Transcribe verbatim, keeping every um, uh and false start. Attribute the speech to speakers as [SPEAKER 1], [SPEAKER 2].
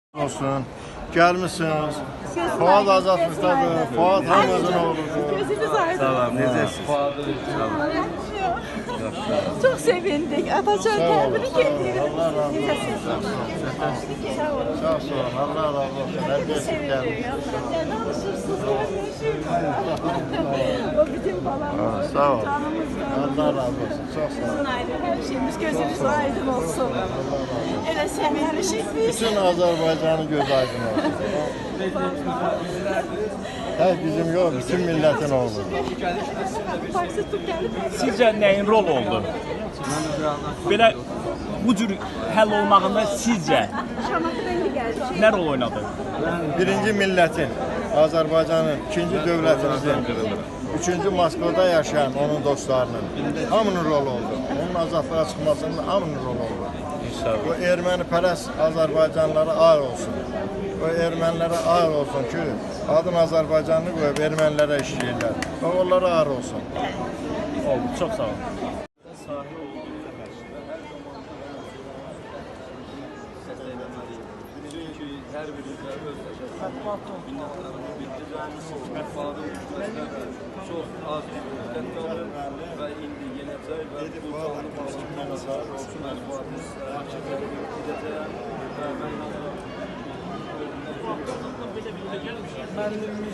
[SPEAKER 1] Olsun. Gelmişsiniz. Fuat Azatlık'tadır. Fuat Ramazan oğludur.
[SPEAKER 2] Gözünüz aydın.
[SPEAKER 3] Sağ olun. Necəsiniz?
[SPEAKER 2] Çok sevindik. Atatürk kendini getiriyor.
[SPEAKER 1] Allah razı olsun.
[SPEAKER 2] Sağ olun.
[SPEAKER 1] Sağ olun. Allah razı olsun. Herkes gelmiş.
[SPEAKER 2] Ne alışırsınız? O bizim balamız.
[SPEAKER 1] Sağ ol.
[SPEAKER 2] Canımız
[SPEAKER 1] Allah razı olsun. Çok sağ olun.
[SPEAKER 2] Her şeyimiz gözünüz aydın olsun. Öyle sevinmişik biz.
[SPEAKER 1] Bütün Azerbaycan'ın göz aydın olsun. Tek bizim yok, bütün milletin oldu.
[SPEAKER 2] Taksi tut gelip.
[SPEAKER 4] Sizcə nəyin rol oldu? Belə bu cür həll olmağında sizcə
[SPEAKER 2] Şamatı rengi geldi.
[SPEAKER 4] nə rol oynadı?
[SPEAKER 1] Birinci milletin, Azerbaycan'ın, ikinci devletimizin, üçüncü Moskvada yaşayan onun dostlarının hamının rolu oldu. Onun azadlığa çıkmasının hamının rolu oldu. Bu erməni pərəst Azərbaycanlılara ağır olsun. Bu ermənilere ağır olsun ki, adın Azərbaycanlı qoyub ermənilere işləyirlər. Və onlara ağır olsun.
[SPEAKER 4] Oldu. Çox sağ olun.
[SPEAKER 3] Hər birimizə öz minnətlərimizi bildirəcəyimiz istifadə olunacaq. Çox az müddət qalır və indi yenəcək və bu canlı bağlı olsun əlifadımız edəcəyəm və mən